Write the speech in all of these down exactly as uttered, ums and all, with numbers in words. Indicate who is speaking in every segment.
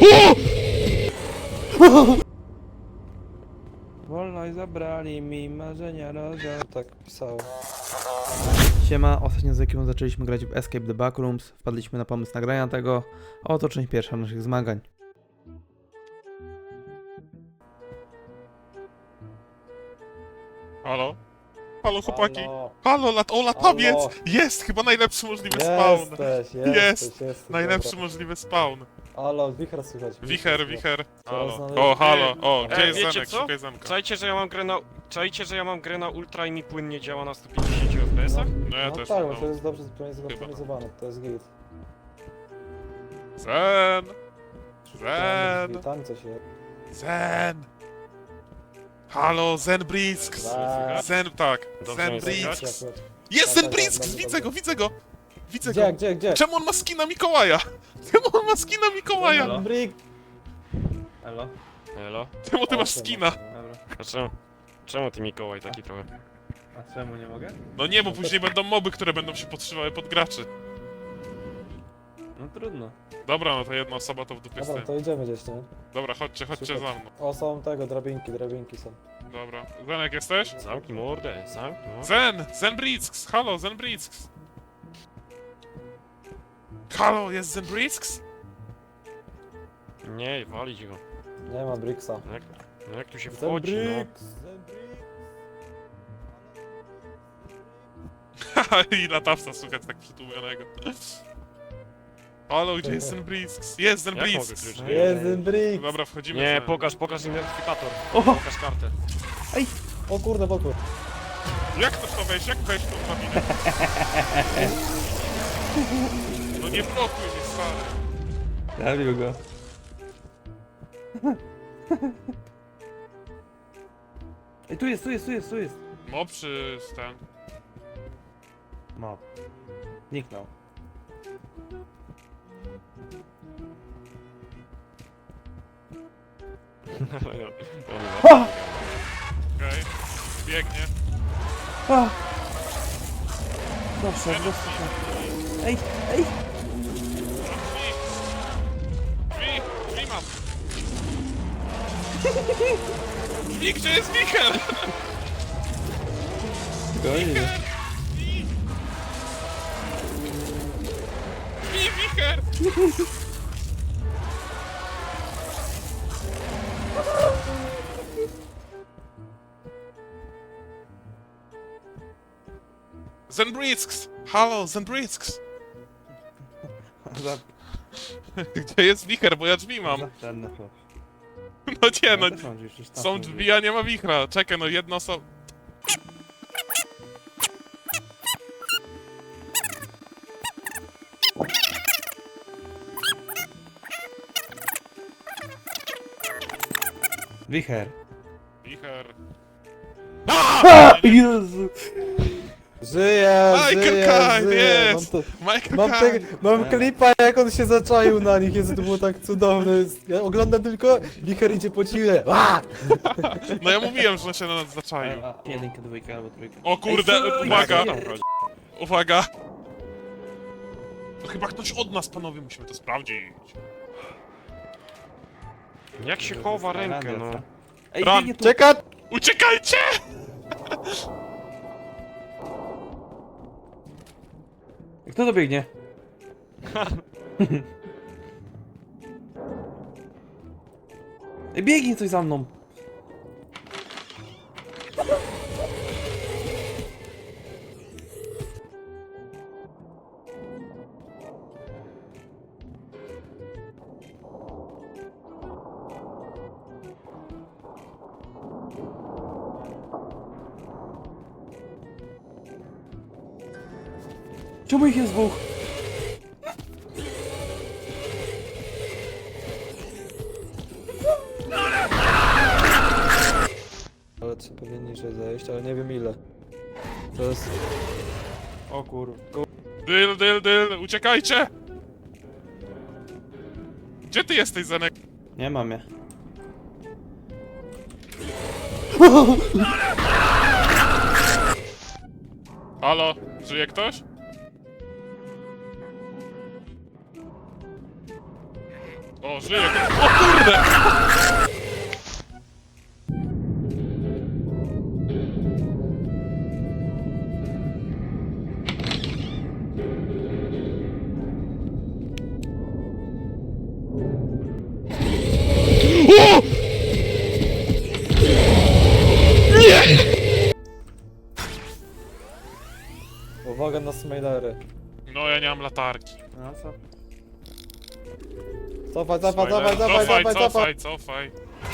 Speaker 1: Wolność zabrali mi marzenia roza. Tak pisało. Siema, ostatnio z ekipą zaczęliśmy grać w Escape the Backrooms. Wpadliśmy na pomysł nagrania tego. A oto część pierwsza naszych zmagań.
Speaker 2: Halo? Halo chłopaki?
Speaker 3: Halo.
Speaker 2: Halo, lat o latawiec!
Speaker 3: Halo.
Speaker 2: Jest! Chyba najlepszy możliwy spawn!
Speaker 3: Jesteś,
Speaker 2: Jest.
Speaker 3: jesteś, jesteś.
Speaker 2: Najlepszy
Speaker 3: dobra.
Speaker 2: możliwy spawn.
Speaker 3: Halo, wicher słychać.
Speaker 2: Wicher, wicher.
Speaker 3: Coraz
Speaker 2: Halo.
Speaker 3: należy-
Speaker 2: O, halo. O, gdzie
Speaker 4: E,
Speaker 2: jest
Speaker 4: wiecie
Speaker 2: Zenek?
Speaker 4: co?
Speaker 2: Szukaj Zenka.
Speaker 4: Czajcie, że ja mam grę na... Czajcie, że ja mam grę na ultra i mi płynnie działa na sto pięćdziesiąt F P S-ach?
Speaker 2: No ja
Speaker 3: No
Speaker 2: też.
Speaker 3: tak,
Speaker 2: No.
Speaker 3: bo to jest dobrze
Speaker 2: Chyba.
Speaker 3: zoptymalizowane, to jest git.
Speaker 2: Zen!
Speaker 3: Tam,
Speaker 2: Zen!
Speaker 3: tam coś jest.
Speaker 2: Zen! Halo, Zen Brisk!
Speaker 3: Zen.
Speaker 2: Zen, tak.
Speaker 4: Dobrze
Speaker 2: Zen
Speaker 4: mnie
Speaker 2: Brisk!
Speaker 4: słychać?
Speaker 2: Jest
Speaker 3: Tak,
Speaker 2: Zen
Speaker 3: tak,
Speaker 2: Brisk!
Speaker 3: dobrze,
Speaker 2: Widzę
Speaker 3: dobrze.
Speaker 2: go, widzę go! Widzę
Speaker 3: Gdzie,
Speaker 2: go!
Speaker 3: gdzie, gdzie?
Speaker 2: Czemu on ma skina Mikołaja? Czemu on ma skina Mikołaja?
Speaker 3: Halo? Brick.
Speaker 1: Elo?
Speaker 4: Elo?
Speaker 2: Czemu ty masz
Speaker 3: Osiem,
Speaker 2: skina?
Speaker 3: osiem.
Speaker 1: Dobra.
Speaker 4: A czemu? Czemu ty Mikołaj taki trochę?
Speaker 1: A czemu nie mogę?
Speaker 2: No nie, bo później będą moby, które będą się podszywały pod graczy.
Speaker 1: No trudno.
Speaker 2: Dobra, no to jedna osoba to w dupie
Speaker 3: Dobra,
Speaker 2: stoi.
Speaker 3: to idziemy gdzieś, nie?
Speaker 2: Dobra, chodźcie, chodźcie
Speaker 3: Super.
Speaker 2: za mną.
Speaker 3: O, są tego, drabinki, drabinki są.
Speaker 2: Dobra. Zenek jesteś?
Speaker 4: Zamknij mordę, zamknij mordę.
Speaker 2: Zen! Zen Brisks! Halo, Zen Brisks! Halo, jest Zen Brisks?
Speaker 4: Nie, walić go.
Speaker 3: Nie ma Bricksa.
Speaker 4: No jak, no jak tu się
Speaker 3: Ten
Speaker 4: wchodzi, no?
Speaker 3: Bricks! Ten Bricks!
Speaker 2: Haha, i latawca słuchać tak przytłumionego. Halo, gdzie jest Zen Brisks? Jest Zen
Speaker 4: Jak mogę
Speaker 2: Brisks!
Speaker 4: klucz?
Speaker 3: Jest ten Bricks!
Speaker 2: Dobra, wchodzimy.
Speaker 4: Nie,
Speaker 2: Zen.
Speaker 4: pokaż, pokaż identyfikator.
Speaker 1: O!
Speaker 4: Pokaż kartę.
Speaker 3: O kurde, podpór.
Speaker 2: Jak to w to wejść? Jak wejść w tą kabinę? No nie blokuj mnie, stary.
Speaker 1: Zabił go. Ej, tu jest, tu jest, tu jest, tu jest.
Speaker 2: Mob czy ten?
Speaker 1: No. Zniknął.
Speaker 2: Okej. Biegnie.
Speaker 1: A! Dobrze, dobrze. Ej, ej!
Speaker 2: Drzwi! Drzwi! Drzwi mam! Drzwi, gdzie jest Michael?
Speaker 1: Spokojnie.
Speaker 2: Drzwi! Drzwi, Michael! Zenbrisks! Halo, Zenbrisks!
Speaker 1: Za...
Speaker 2: Gdzie jest wicher, bo ja drzwi mam.
Speaker 1: Żadne chłop.
Speaker 2: No nie, no.
Speaker 1: Ja też mam gdzieś już tam
Speaker 2: Są drzwi, a nie ma wichra. Czekaj, no jedna osoba.
Speaker 1: Wicher.
Speaker 2: Wicher.
Speaker 1: Jezu!
Speaker 3: Żyje,
Speaker 2: Michael
Speaker 3: żyje,
Speaker 2: Caine,
Speaker 3: żyje!
Speaker 2: jest!
Speaker 3: Mam, to,
Speaker 2: Michael
Speaker 3: mam, te,
Speaker 2: Caine.
Speaker 3: mam klipa, jak on się zaczaił na nich, Jezu, to było tak cudowne. Ja oglądam tylko, wicher idzie po ciule. A!
Speaker 2: No ja mówiłem, że on się na nas zaczaił.
Speaker 1: Jedynka, dwójka albo trójka.
Speaker 2: O kurde,
Speaker 1: Ej, co?
Speaker 2: uwaga!
Speaker 1: Jak tam
Speaker 4: chodzi?
Speaker 2: Uwaga! To chyba ktoś od nas, panowie, musimy to sprawdzić.
Speaker 4: Jak się chowa rękę, no?
Speaker 1: Ej,
Speaker 2: Run.
Speaker 1: biegnie tu!
Speaker 3: Czekaj!
Speaker 2: Uciekajcie!
Speaker 1: Kto to biegnie? Ej, biegnie coś za mną! Czemu ich jest dwóch?
Speaker 3: Ale trzeba pewnie niżej zejść, ale nie wiem ile. To jest... O kur...
Speaker 2: Dyl, dyl, dyl, uciekajcie! Gdzie ty jesteś, Zenek?
Speaker 1: Nie mam je.
Speaker 2: Halo, żyje ktoś? O, żyję! O kurde!
Speaker 3: Uwaga na smajlery.
Speaker 2: No, ja nie mam latarki.
Speaker 1: No co?
Speaker 3: Cofaj, cofaj,
Speaker 2: Spoiler.
Speaker 3: cofaj, cofaj, cofaj, cofaj.
Speaker 2: cofaj, cofaj.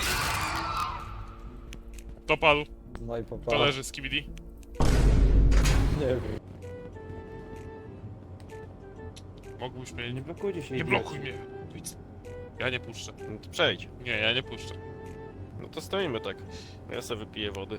Speaker 2: To padł.
Speaker 3: No i
Speaker 2: To
Speaker 3: popa.
Speaker 2: leży z Kibidi.
Speaker 3: Nie wiem.
Speaker 2: Mógłbyś mnie...
Speaker 1: Nie
Speaker 2: Nie,
Speaker 1: blokujcie się.
Speaker 2: nie
Speaker 1: idioci.
Speaker 2: blokuj mnie. Idź. Ja nie puszczę.
Speaker 4: No to przejdź.
Speaker 2: Nie, ja nie puszczę.
Speaker 4: No to stoimy tak. Ja sobie wypiję wody.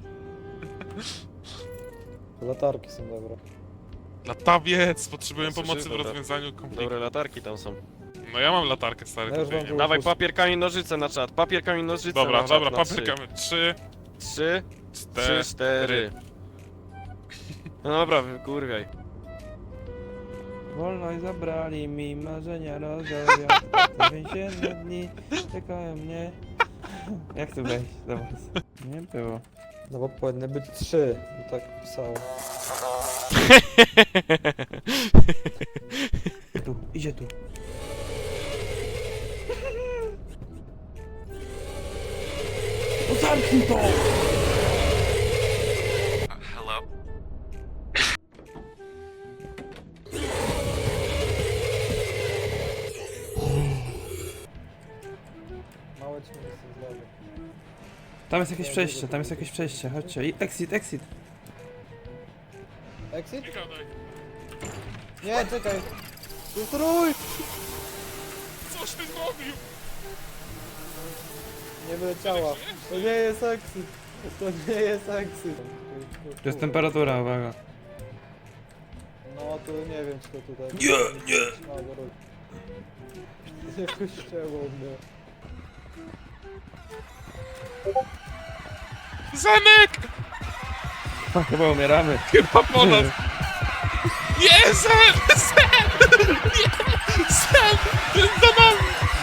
Speaker 3: Latarki są dobre.
Speaker 2: Latawiec! Potrzebuję
Speaker 4: Słyszysz?
Speaker 2: pomocy w
Speaker 4: Dobra.
Speaker 2: rozwiązaniu konfliktu.
Speaker 4: Dobre latarki tam są.
Speaker 2: No ja mam latarkę, stary,
Speaker 3: Ja już
Speaker 2: tutaj
Speaker 3: mam
Speaker 2: nie
Speaker 3: drugą.
Speaker 2: ma.
Speaker 4: Dawaj papier, kamień, nożyce na czat. Papier, kamień, nożyce
Speaker 2: Dobra,
Speaker 4: na czat.
Speaker 2: dobra,
Speaker 4: na trzy.
Speaker 2: papierkamy. Trzy,
Speaker 4: Trzy, trzy,
Speaker 2: cztery.
Speaker 4: cztery. No dobra, kurwiaj.
Speaker 1: Wolność zabrali mi, marzenia rozjawiam. Więzienne dni czekają mnie. Jak tu wejść do was? Nie było.
Speaker 3: No bo powinny być trzy, bo tak pisało.
Speaker 1: Tu, idzie tu. No zamknij to!
Speaker 3: Małe ci miejsce z lewej.
Speaker 1: Tam jest jakieś przejście, tam jest jakieś przejście, chodźcie. I exit, exit.
Speaker 3: Exit?
Speaker 2: Gadaj.
Speaker 3: Nie, czekaj! Strój!
Speaker 2: Coś ty zrobił?
Speaker 3: Nie wyleciała. To nie jest exit. To nie jest exit.
Speaker 1: To jest temperatura, uwaga.
Speaker 3: No to nie wiem czy to tutaj...
Speaker 1: Nie, nie.
Speaker 3: No, bo... Jakoś ścięło mnie.
Speaker 2: Zenek!
Speaker 1: Chyba umieramy.
Speaker 2: Chyba po nas! Nie, Zen! Zen! Nie! Zen! To jest za nami!